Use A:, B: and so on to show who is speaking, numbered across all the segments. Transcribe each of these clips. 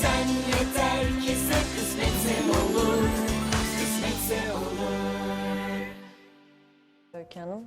A: Sen yeter ki sen kısmetse olur, kısmetse olur.
B: Öykü Hanım.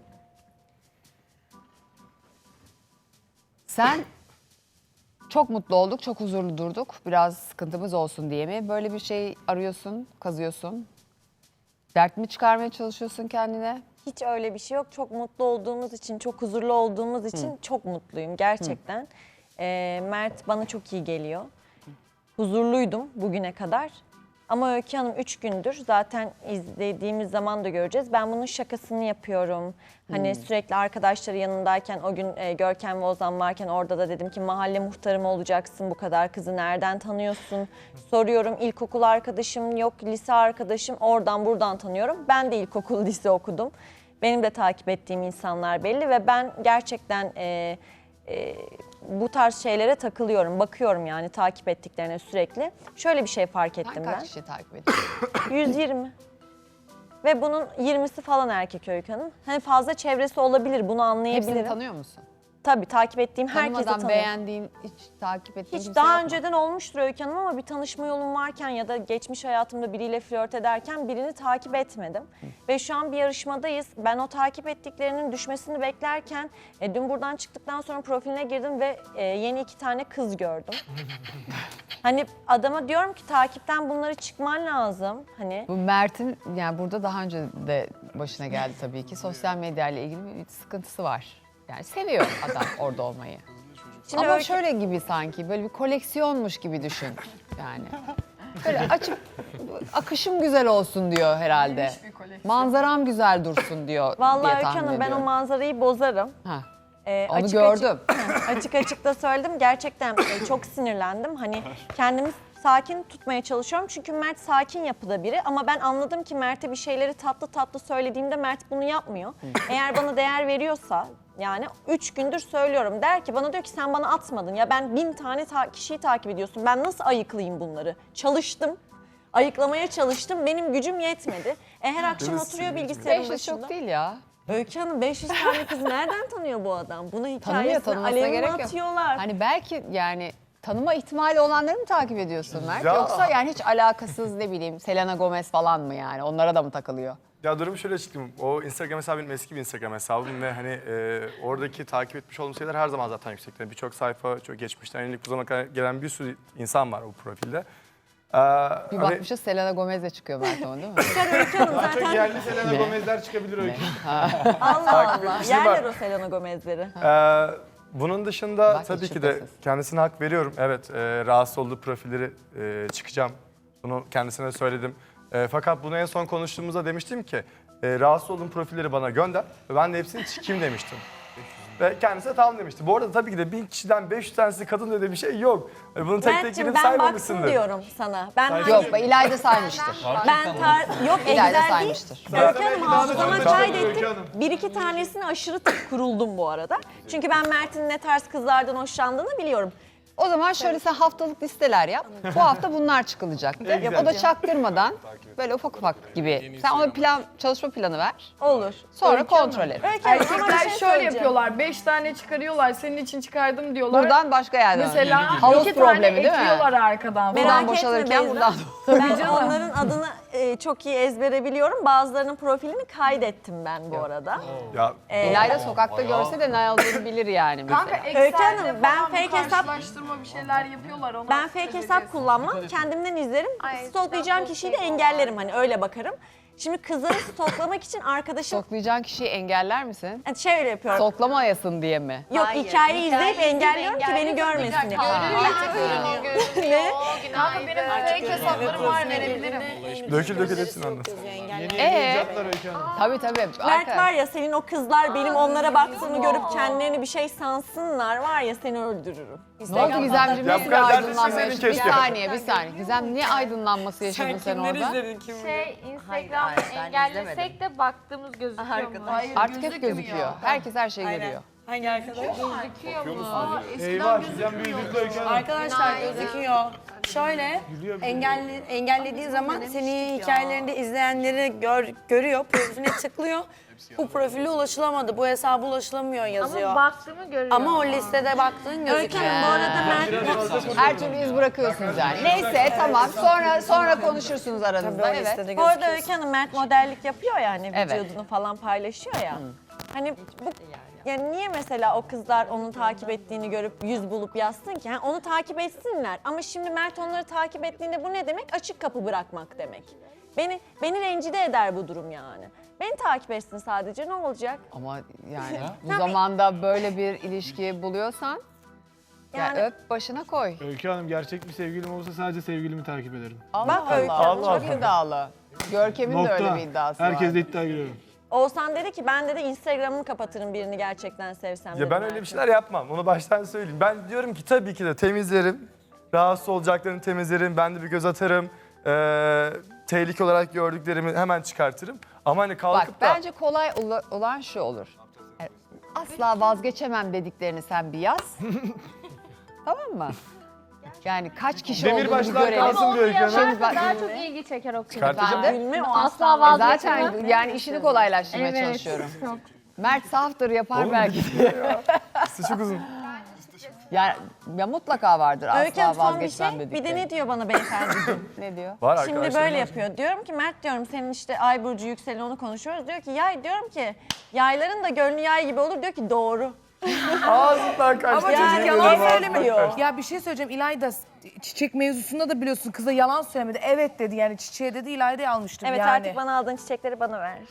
C: Sen çok mutlu olduk, çok huzurlu durduk. Biraz sıkıntımız olsun diye mi? Böyle bir şey arıyorsun, kazıyorsun. Dert mi çıkarmaya çalışıyorsun kendine?
B: Hiç öyle bir şey yok. Çok mutlu olduğumuz için, çok huzurlu olduğumuz için çok mutluyum gerçekten. Mert bana çok iyi geliyor. Huzurluydum bugüne kadar. Ama Öykü Hanım 3 gündür zaten izlediğimiz zaman da göreceğiz. Ben bunun şakasını yapıyorum. Hani sürekli arkadaşları yanındayken o gün Görkem ve Ozan varken orada da dedim ki mahalle muhtarı mı olacaksın, bu kadar kızı nereden tanıyorsun? Soruyorum, ilkokul arkadaşım yok, lise arkadaşım, oradan buradan tanıyorum. Ben de ilkokul lise okudum. Benim de takip ettiğim insanlar belli ve ben gerçekten bu tarz şeylere takılıyorum. Bakıyorum yani takip ettiklerine sürekli. Şöyle bir şey fark ettim
C: Sen
B: ben.
C: kaç kişi takip ediyorsun?
B: 120. Ve bunun 20'si falan erkek Öykü Hanım. Hani fazla çevresi olabilir, bunu anlayabilirim.
C: Hepsini tanıyor musun?
B: Tabii takip ettiğim herkesi
C: Tanımadan
B: tanıyorum.
C: beğendiğin, hiç takip ettiğin
B: Hiç
C: kimse
B: daha
C: yok mu?
B: önceden olmuştur Öykü Hanım ama bir tanışma yolum varken ya da geçmiş hayatımda biriyle flört ederken birini takip etmedim. Ve şu an bir yarışmadayız. Ben o takip ettiklerinin düşmesini beklerken dün buradan çıktıktan sonra profiline girdim ve yeni 2 tane kız gördüm. Hani adama diyorum ki takipten bunları çıkman lazım. Hani
C: Bu Mert'in yani burada daha önce de başına geldi tabii ki. Sosyal medyayla ilgili bir sıkıntısı var. Yani seviyor adam orada olmayı.
B: Şimdi
C: Ama
B: Öykü-
C: şöyle gibi sanki böyle bir koleksiyonmuş gibi düşün yani. Böyle açıp akışım güzel olsun diyor herhalde. Manzaram güzel dursun diyor
B: vallahi
C: diye
B: Öykü
C: tahmin
B: Hanım ben o
C: ediyorum.
B: manzarayı bozarım.
C: Ha,
B: Onu
C: onu gördüm.
B: Açık açık da söyledim. Gerçekten çok sinirlendim. Hani kendimi sakin tutmaya çalışıyorum. Çünkü Mert sakin yapıda biri. Ama ben anladım ki Mert'e bir şeyleri tatlı tatlı söylediğimde Mert bunu yapmıyor. Eğer bana değer veriyorsa yani 3 gündür söylüyorum. Der ki bana diyor ki sen bana atmadın. Ya ben 1000 tane kişiyi takip ediyorsun. Ben nasıl ayıklayayım bunları? Çalıştım. Ayıklamaya çalıştım. Benim gücüm yetmedi. Her akşam oturuyor bilgisayarın
C: 500
B: başında.
C: çok değil ya.
B: Öykü Hanım 500 tane kız nereden tanıyor bu adam? Buna
C: Tanımıyor,
B: hikayesini
C: tanımasına
B: alevine
C: gerek yok.
B: atıyorlar.
C: Hani belki yani tanıma ihtimali olanları mı takip ediyorsun Mert?
D: Ya.
C: Yoksa yani hiç alakasız ne bileyim Selena Gomez falan mı yani? Onlara da mı takılıyor?
D: Ya durumu şöyle açıklayayım. O Instagram hesabı benim eski bir Instagram hesabım ve hani oradaki takip etmiş olduğum şeyler her zaman zaten yüksek. Yani birçok sayfa, çok geçmişten yenilik bu zamana kadar gelen bir sürü insan var o profilde.
C: Bir
D: Hani
C: bakmışız Selena Gomez de çıkıyor Mert ama değil mi?
B: Öykü Hanım zaten
E: Yerli Selena Gomez'ler çıkabilir Öykü.
B: Allah Allah.
D: etmişliği var.
B: Yerler o Selena Gomez'leri.
D: bunun dışında
C: Bak,
D: tabii
C: hiç
D: ki de
C: şüphesiz.
D: kendisine hak veriyorum. Evet, rahatsız olduğu profilleri çıkacağım. Bunu kendisine söyledim. Fakat bunu en son konuştuğumuzda demiştim ki rahatsız olduğum profilleri bana gönder ve ben de hepsini çıkayım demiştim. Ve kendisi de tamam demişti. Bu arada tabii ki de 1000 kişiden 500 tanesi kadın diye bir şey yok. Bunu tek tek
B: Mert'cim
D: girip
B: ben baktım
D: saymamışsındır.
B: diyorum sana. Ben
C: Yok İlayda saymıştır.
B: yok
C: İlayda
B: Excel değil.
C: saymıştır.
B: Öykü Hanım hafızama
E: Öykü
B: kaydettim.
E: Hanım.
B: Bir iki tanesini aşırı kuruldum bu arada. Çünkü ben Mert'in ne tarz kızlardan hoşlandığını biliyorum.
C: O zaman şöyle sen haftalık listeler yap. Bu hafta bunlar çıkılacak de. O da çaktırmadan böyle ufak ufak gibi. Sen ona çalışma planı ver.
B: Olur.
C: Sonra kontrol et.
B: Öykü Hanım ama bir
F: Erkekler
B: şey
F: şöyle
B: söyleyeceğim.
F: yapıyorlar. 5 tane çıkarıyorlar. Senin için çıkardım diyorlar.
C: Buradan başka yerden.
F: mesela
C: havuz
F: 2 tane
C: problemi değil mi?
F: ekliyorlar arkadan.
B: Merak
C: Buradan
B: etme
C: boşalırken
B: Beyza.
C: buradan.
B: Ben
F: canım.
B: onların adını çok iyi ezbere biliyorum. Bazılarının profilini kaydettim ben bu arada.
D: Ya
C: İlayda sokakta görse de ne olduğunu bilir yani mesela.
F: Kanka
B: Öykü
F: Excel'de
B: Hanım, ben
F: falan
B: fake hesap-
F: karşılaştırma bir şeyler yapıyorlar. Ona
B: Ben fake hesap kullanmam. Kendimden izlerim. Stalklayacağım kişiyi de engellerim. Hani öyle bakarım. Şimdi kızları stalklamak için arkadaşım
C: Soklayacağın kişiyi engeller misin?
B: şöyle yapıyorum.
C: Soklamayasın diye mi?
B: Yok hikayeyi izleyip engelliyorum ki beni görmesin diye. Ne?
F: Kanka benim fake hesaplarım var verebilirim.
D: dökül hepsini anlat.
E: Yapacaklar Öykü Hanım.
C: Tabii.
B: Mert var ya senin o kızlar benim onlara baktığımı görüp kendilerini bir şey sansınlar var ya seni öldürürüm.
C: Ne oldu Gizemciğim?
D: Ya
C: Ne
D: bu kadar
C: aydınlanma
D: dersin
C: yaşadın? Bir
D: keşke.
C: saniye. Gizem niye aydınlanması yaşadın sen orada?
G: Instagram engellesek de baktığımız gözüküyor mu?
F: Hayır,
C: Artık hep gözüküyor. Herkes her şeyi görüyor.
G: Hangi arkadaş?
E: Eyvah Gizem büyüdürdü Öykü Hanım.
G: Arkadaşlar gözüküyor. Şöyle engellediği zaman senin hikayelerinde izleyenleri görüyor, profiline tıklıyor. Bu profile ulaşılamadı, bu hesaba ulaşılamıyor yazıyor.
F: Ama baktığımı görüyorum.
G: Ama o listede baktığın gözüküyor.
B: Bu arada Mert
C: Her türlü iz bırakıyorsunuz yani. Neyse tamam sonra konuşursunuz
G: Tabii
C: aranızda.
G: o
C: Evet.
G: listede
B: Bu arada
G: gözüküyor.
B: Öykü Hanım Mert modellik yapıyor yani
C: Evet.
B: vücudunu falan paylaşıyor ya. Hani bu yani niye mesela o kızlar onu takip ettiğini görüp yüz bulup yazsın ki? Yani onu takip etsinler. Ama şimdi Mert onları takip ettiğinde bu ne demek? Açık kapı bırakmak demek. Beni rencide eder bu durum yani. Beni takip etsin sadece ne olacak?
C: Ama yani bu zamanda böyle bir ilişki buluyorsan
B: Yani-
C: ya öp başına koy.
E: Öykü Hanım gerçek bir sevgilim olsa sadece sevgilimi takip ederim.
C: Allah
B: Öykü
C: Allah.
B: Hanım,
C: Çok iddialı. Görkem'in de öyle
E: Nokta.
C: bir iddiası var.
E: Herkes de iddia giriyorum.
B: Oğuzhan dedi ki ben de Instagram'ımı kapatırım birini gerçekten sevsem.
D: Ya
B: dedi
D: ben
B: Mert'in.
D: öyle bir şeyler yapmam. Onu baştan söyleyeyim. Ben diyorum ki tabii ki de temizlerim. Rahatsız olacaklarını temizlerim. Ben de bir göz atarım. Tehlike olarak gördüklerimi hemen çıkartırım. Ama hani
C: Bak
D: kalkıp da...
C: bence kolay olan şu olur. Yani asla vazgeçemem dediklerini sen bir yaz. Tamam mı? Yani kaç kişi olduğunu bir
E: Demirbaşlar
C: görelim.
E: kalsın bir Öykü Hanım.
C: Şimdi bak,
F: Daha çok ilgi çeker o kız.
D: Çıkartacağım.
C: efendim,
B: Gülme o
F: Asla
B: asla
F: vazgeçemem.
C: zaten yani işini kolaylaştırmaya çalışıyorum.
F: Çok.
C: Mert saftır yapar
D: Oğlum,
C: belki.
D: Üstü çok uzun.
C: Yani ya mutlaka vardır
B: Öykü Hanım
C: asla
B: son bir
C: vazgeçmem
B: şey.
C: dedikleri.
B: Bir de ne diyor bana beyefendi?
C: Ne diyor?
D: Var
B: Şimdi
D: arkadaşlarım
B: böyle
D: var.
B: yapıyor. Diyorum ki Mert diyorum senin işte ay burcu yükseli onu konuşuyoruz. Diyor ki yay diyorum ki yayların da gönlü yay gibi olur. Diyor ki doğru.
D: Ağzından kaçtı.
H: Ama
D: yemin
H: çocuk
D: ederim
H: yalan
D: ağzından
H: söylemiyor.
D: kaçtı.
H: Ya bir şey söyleyeceğim. İlayda çiçek mevzusunda da biliyorsun kıza yalan söylemedi. Evet dedi yani çiçeğe dedi İlayda'yı almıştım
B: Evet
H: yani.
B: artık bana aldığın çiçekleri bana ver.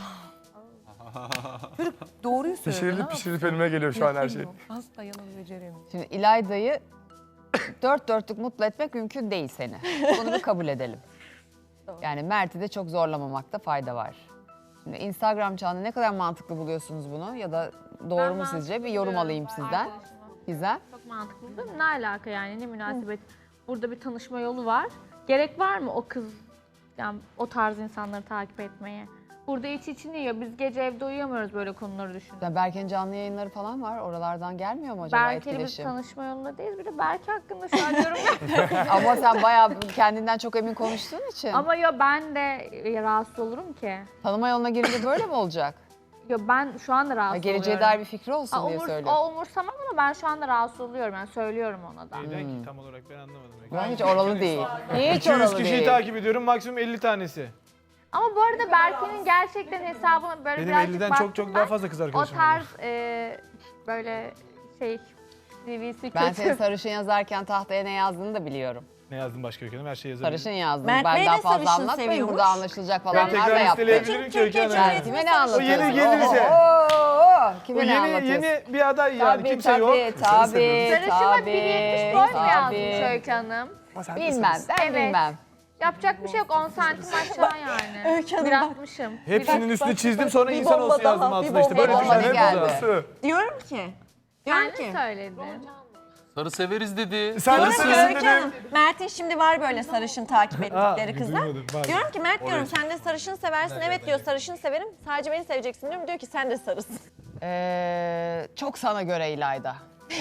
H: Doğruyu söylüyor.
D: Pişirilip önüme geliyor şu an her şey.
H: Asla yalan beceremiyor.
C: Şimdi İlayda'yı dört dörtlük mutlu etmek mümkün değil seni. Bunu bir kabul edelim. Yani Mert'i de çok zorlamamakta fayda var. Şimdi Instagram çağında ne kadar mantıklı buluyorsunuz bunu ya da doğru mu sizce? Bir yorum alayım sizden. Güzel.
I: Çok mantıklı değil mi? Ne alaka yani ne münasebet? Burada bir tanışma yolu var. Gerek var mı o kız yani o tarz insanları takip etmeye? Burada içini yiyor. Biz gece evde uyuyamıyoruz böyle konuları düşünüp.
C: Ya Berke'nin canlı yayınları falan var. Oralardan gelmiyor mu acaba
I: Berke'yle biz
C: etkileşim?
I: tanışma yolunda değiliz. Bir de Berke hakkında şu an yorum yapıyorum.
C: Ama sen bayağı kendinden çok emin konuştuğun için.
I: Ama yo ben de rahatsız olurum ki.
C: Tanıma yoluna girince böyle mi olacak?
I: Yo ben şu anda
C: Ya
I: rahatsız
C: geleceğe
I: oluyorum.
C: dair bir fikri olsun diye söylüyorum.
I: O umursamam ama ben şu anda rahatsız oluyorum. Yani söylüyorum ona da.
E: Neyden ki tam olarak ben anlamadım.
C: Ben hiç oralı değil. Hiç
E: 200
C: oralı
E: kişiyi
C: değil.
E: takip ediyorum maksimum 50 tanesi.
I: Ama bu arada Berke'nin gerçekten hesabına böyle
E: Benim
I: birazcık
E: 50'den
I: baktım
E: çok
I: ben.
E: daha fazla kız
I: O
E: arkadaşım var.
I: tarz böyle CV'si
C: Ben
I: kötü.
C: senin sarışın yazarken tahtaya ne yazdığını da biliyorum.
E: Ne yazdım başka Öykü Hanım? Her şeyi yazabilirim.
C: Sarışın yazdım.
B: Mert Bey
C: Benden
B: de
C: fazla
B: sarışın
C: anlatmayın.
B: seviyormuş.
C: Burada anlaşılacak
E: Ben
C: falanlar da
E: tekrar
C: yaptım.
E: listeleyebilirim ki Öykü Hanım.
C: Sen kime ne anlatıyorsun?
E: yeni gelirse.
C: Kime
E: Bu
C: ne
E: yeni,
C: anlatıyorsun?
E: yeni bir aday yani
C: Tabii,
E: kimse yok.
C: tabii,
I: Sarışına
C: tabii,
I: 1.70 boy mu
C: tabii.
I: yazmış Öykü Hanım?
C: Bilmem, ben
I: Evet.
C: bilmem.
I: Yapacak bir şey yok 10 santim aşağı yani.
B: Öykü Hanım
I: Bir
B: bak.
I: atmışım.
E: Hepsinin üstüne çizdim sonra
B: bir
E: insan
B: bomba
E: olsun yazdım
B: daha, bir
E: altına işte. Böyle
C: bomba
E: düşünün.
C: daha.
E: Ne
C: geldi.
E: oldu?
B: Diyorum ki
I: Kendi söyledi.
J: Sarı severiz dedi.
D: Sen de
B: Diyorum ki
D: sarışın
B: Öykü
D: dedim.
B: Hanım, Mert'in şimdi var böyle sarışın takip ettikleri kızlar.
E: duymadım, pardon.
B: Diyorum ki Mert diyorum sen de sarışın seversin. Evet diyor sarışın severim. Sadece beni seveceksin diyorum. Diyor ki sen de sarısın.
C: Çok sana göre İlayda.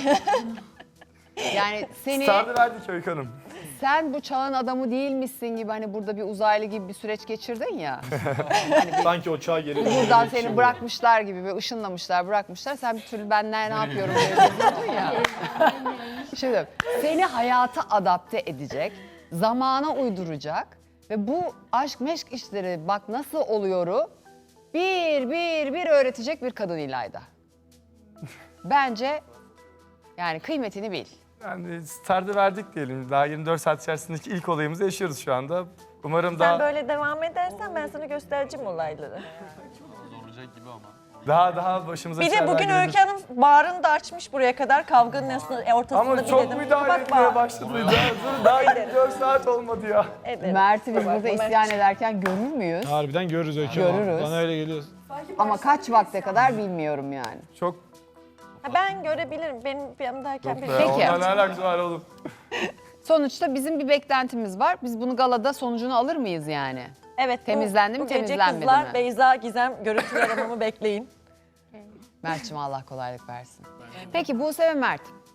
C: Yani
D: Stardı verdik Öykü Hanım.
C: sen bu çağın adamı değilmişsin gibi hani burada bir uzaylı gibi bir süreç geçirdin ya.
E: Sanki o çağ geri
C: Buradan seni bırakmışlar gibi ve ışınlamışlar, bırakmışlar. Sen bir türlü ben ne yapıyorum diye geziyordun ya. Şimdi seni hayata adapte edecek, zamana uyduracak ve bu aşk meşk işleri bak nasıl oluyoru bir öğretecek bir kadın İlayda. Bence yani kıymetini bil.
D: Yani stardı verdik diyelim. Daha 24 saat içerisindeki ilk olayımızı yaşıyoruz şu anda. Umarım
B: Sen
D: daha
B: böyle devam edersen ben sana göstereceğim olayları.
J: Zorlayacak gibi ama.
D: daha başımıza
B: Bir de
D: şeyler
B: bugün
D: gelebilir.
B: Öykü Hanım bağrını da açmış buraya kadar kavganın ortasında
D: Ama
B: bir
D: çok
B: dedim.
D: müdahale
B: Bak
D: etmeye
B: bağır.
D: başladı. Daha 24 saat olmadı ya.
B: Ederim.
C: Mert'i biz burada isyan ederken görür müyüz?
E: Harbiden görürüz Öykü Hanım.
C: Görürüz.
E: Bana öyle geliyor.
C: Ama kaç vakte kadar bilmiyorum yani.
D: Çok
B: Ha, ben görebilirim. Benim yanımdayken bir
D: be.
C: Peki.
D: Onunla ne alakası var oğlum?
C: Sonuçta bizim bir beklentimiz var. Biz bunu galada sonucunu alır mıyız yani?
B: Evet.
C: Temizlendi mi,
B: bu gece
C: temizlenmedi
B: kızlar
C: mi?
B: Beyza Gizem görüntülü aramamı bekleyin.
C: Mert'cim Allah kolaylık versin. Peki Buse ve Mert.